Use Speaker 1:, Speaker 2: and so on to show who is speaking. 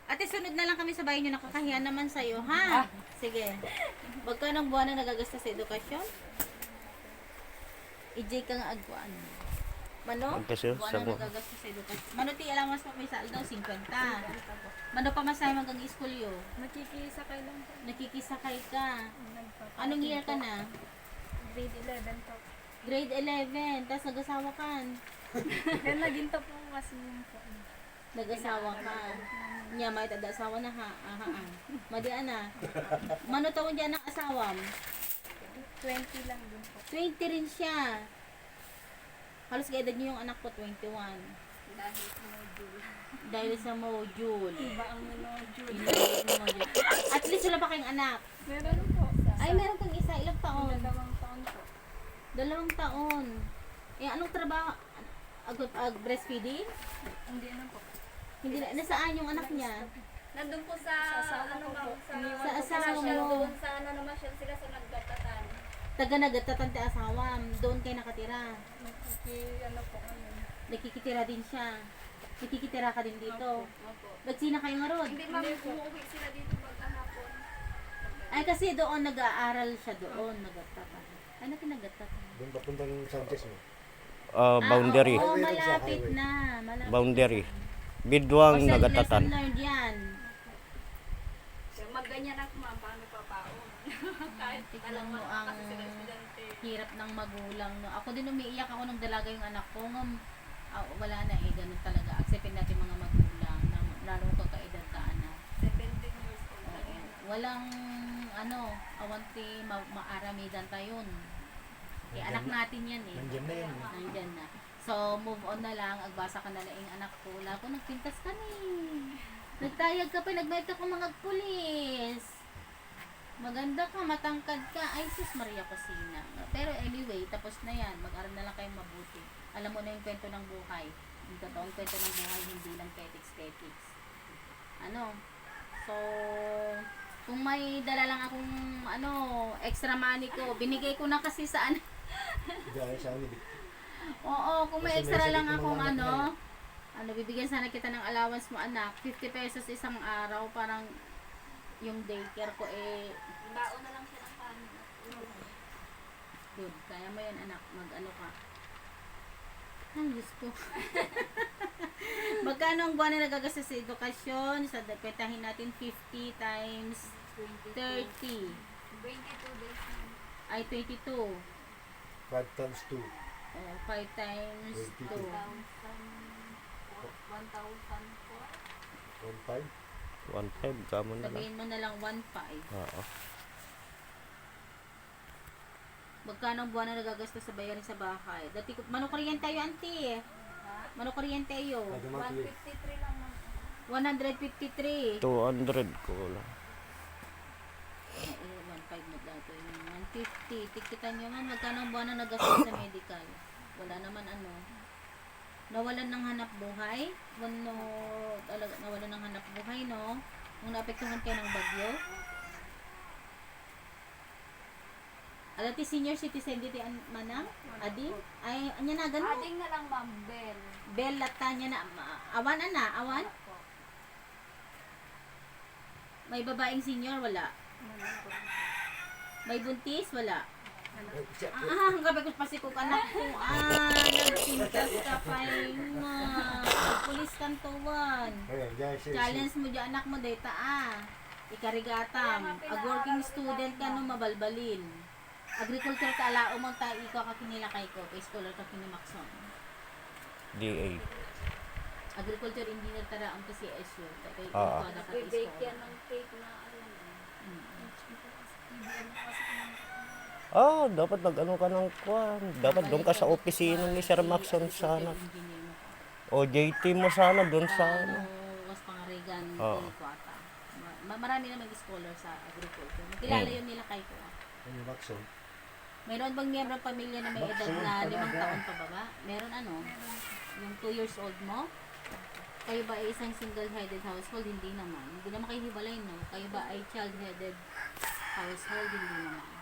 Speaker 1: Ate, sunod na lang kami sa bahay nyo. Nakakahiya naman sa'yo, ha? Sige. Magkano buwan na nagagasta sa edukasyon? EJ ka nga agwaan. Mano?
Speaker 2: Magkasyo,
Speaker 1: Buwan
Speaker 2: sa
Speaker 1: na nagagasta sa edukasyon. Mano, ti alam mas may saldo, 50. Mano pa masaya hanggang school yo?
Speaker 3: Nakikisakay lang po.
Speaker 1: Nakikisakay ka. Anong year ka na?
Speaker 3: Grade 11 po.
Speaker 1: Grade 11. Tapos nag-asawa ka.
Speaker 3: Kaya naginto po kasi yun po.
Speaker 1: Nag-asawa ka. Nya, may tada-asawa na ha. Madian na. Mano taon dyan ang asawam?
Speaker 3: 20 lang din po.
Speaker 1: 20 rin siya. Halos kaedad niyo yung anak ko, 21.
Speaker 3: Dahil sa module.
Speaker 1: Dahil sa module.
Speaker 3: Iba ang module.
Speaker 1: At least wala pa kayong anak.
Speaker 3: Meron po.
Speaker 1: Ay, meron kang isa. Ilang taon?
Speaker 3: 2 taon po.
Speaker 1: 2 taon. Eh, anong trabaho? Breastfeeding?
Speaker 3: Hindi na po.
Speaker 1: Hindi na. Nasaan yung anak niya?
Speaker 4: Nandun po sa,
Speaker 3: asawa
Speaker 4: ano
Speaker 3: ko
Speaker 4: ma'am,
Speaker 3: po.
Speaker 4: sa,
Speaker 3: Iniwan
Speaker 1: Sa
Speaker 3: ko po
Speaker 1: asawa
Speaker 3: siya.
Speaker 1: mo.
Speaker 4: doon sa ano naman siya sila sa naggatatan.
Speaker 1: Taga nagatatan ti asawam. Doon kayo nakatira.
Speaker 3: Ano po ngayon.
Speaker 1: Nakikitira din siya. Nakikitira ka din dito.
Speaker 4: Opo.
Speaker 1: Ba't sina kayo nga ron?
Speaker 4: Hindi ma'am, umuwi sila dito pagkahapon.
Speaker 1: Ay, kasi doon nag-aaral siya doon. Nagatatan. Ano kinagatatan?
Speaker 5: Doon papuntang Sanchez mo.
Speaker 2: Boundary.
Speaker 1: Oo, malapit na. Malapit.
Speaker 2: Boundary. Bidwang
Speaker 1: Kasi
Speaker 2: nagatatan.
Speaker 1: lesson learned yan.
Speaker 4: So, magganyan ako ma'am, paano papaon? Kahit
Speaker 1: Tignan
Speaker 4: alam
Speaker 1: mo
Speaker 4: mo
Speaker 1: ang
Speaker 4: kasi sila estudyante.
Speaker 1: hirap ng magulang. No? Ako din umiiyak ako nung dalaga yung anak ko. Wala na eh, ganun talaga. Acceptin natin mga magulang na lalo ka kaedad ka anak.
Speaker 4: 17 years old na
Speaker 1: Oo.
Speaker 4: yan.
Speaker 1: Walang awanti maaramidan tayon. Eh, anak natin yan eh.
Speaker 5: Nandiyan na yan.
Speaker 1: Nandyan na. So, move on na lang. Agbasa ka na lang yung anak ko. Wala ko, nagpintas ka ni. Nagtayag ka pa, nagbayad ka kung mga pulis. Maganda ka, matangkad ka. Ay, sus Maria Cosina. Pero anyway, tapos na yan. Mag-aral na lang kayong mabuti. Alam mo na yung kwento ng buhay. Yung totoong kwento ng buhay, hindi lang petics. Ano? So, kung may dala lang akong extra money ko, binigay ko na kasi sa ano.
Speaker 5: Dahil sa amin.
Speaker 1: Oo, kung may
Speaker 5: Kasi may
Speaker 1: extra
Speaker 5: sakit
Speaker 1: lang
Speaker 5: yung
Speaker 1: akong
Speaker 5: mga anak
Speaker 1: bibigyan sana kita ng allowance mo anak, 50 pesos isang araw, parang yung daycare ko eh,
Speaker 4: Baon na lang siya ng kanin.
Speaker 1: good, kaya mo yan anak, mag-ano ka. Ay, Diyos ko. Magkano ang buwan na nagagasta sa edukasyon? Sa petahin natin 50 times 30.
Speaker 4: 22 days ma'am.
Speaker 1: Ay, 22.
Speaker 5: 5 times 2.
Speaker 1: 5 times 2.
Speaker 5: 22.
Speaker 4: 1,004.
Speaker 5: 1.5.
Speaker 2: 1.5 kamo na lang.
Speaker 1: Sabihin mo na lang 1.5.
Speaker 2: Oo.
Speaker 1: Magkano ang buwan na nagagasta sa bayarin sa bahay? Dati ko, mano kuryente tayo, auntie. Mano kuryente tayo.
Speaker 5: Kada monthly.
Speaker 4: 153 lang ma'am.
Speaker 1: 153.
Speaker 2: 200 ko lang.
Speaker 1: 1.5 mo dato. 150. Tikitan nyo nga, magkano ang buwan na naggastos sa medical? Wala naman Nawalan ng hanap buhay? Nawalan ng hanap buhay, no? Nung naapektuhan kayo ng bagyo? Alati senior citizen dito manang? Adi? Ay, anya na ganun?
Speaker 4: Ading na lang ma'am, Bell.
Speaker 1: Bell lata niya na. Awan awan? May babaeng senior? Wala. May buntis? Wala. Hanggang ko pa si kuk anak ko. Nagpintas ka pa pulis kantuan.
Speaker 5: Ayan, dyan siya.
Speaker 1: Challenge mo dyan anak mo data Ikarigatam. Ag working student ka no mabalbalin. Agriculture ka alao mo ta ikaw ka kinila kay ko. Kay scholar ka kinimakson.
Speaker 2: DA.
Speaker 1: Agriculture engineer tara ang PCSU. Kay
Speaker 2: Ah.
Speaker 1: ikaw na ka
Speaker 4: Bake yan
Speaker 1: scholar.
Speaker 4: ng cake na ano.
Speaker 2: Dapat nag-ano ka ng kwan. Dapat doon ka sa opisina ni Sir Maxon sana. O JT mo sana doon sa ano.
Speaker 1: Was pangarigan
Speaker 2: Oo.
Speaker 1: ko ata. Marami na mag-scholar sa agriculture. Kilala yun nila kay ko.
Speaker 5: Ano yung Maxon?
Speaker 1: Mayroon bang miyembro ng pamilya na may edad na 5 taon pa baba? Meron yung 2 years old mo? Kayo ba ay isang single-headed household? Hindi naman. Hindi naman kayo hiwalay, no? Kayo ba ay child-headed household? Hindi naman.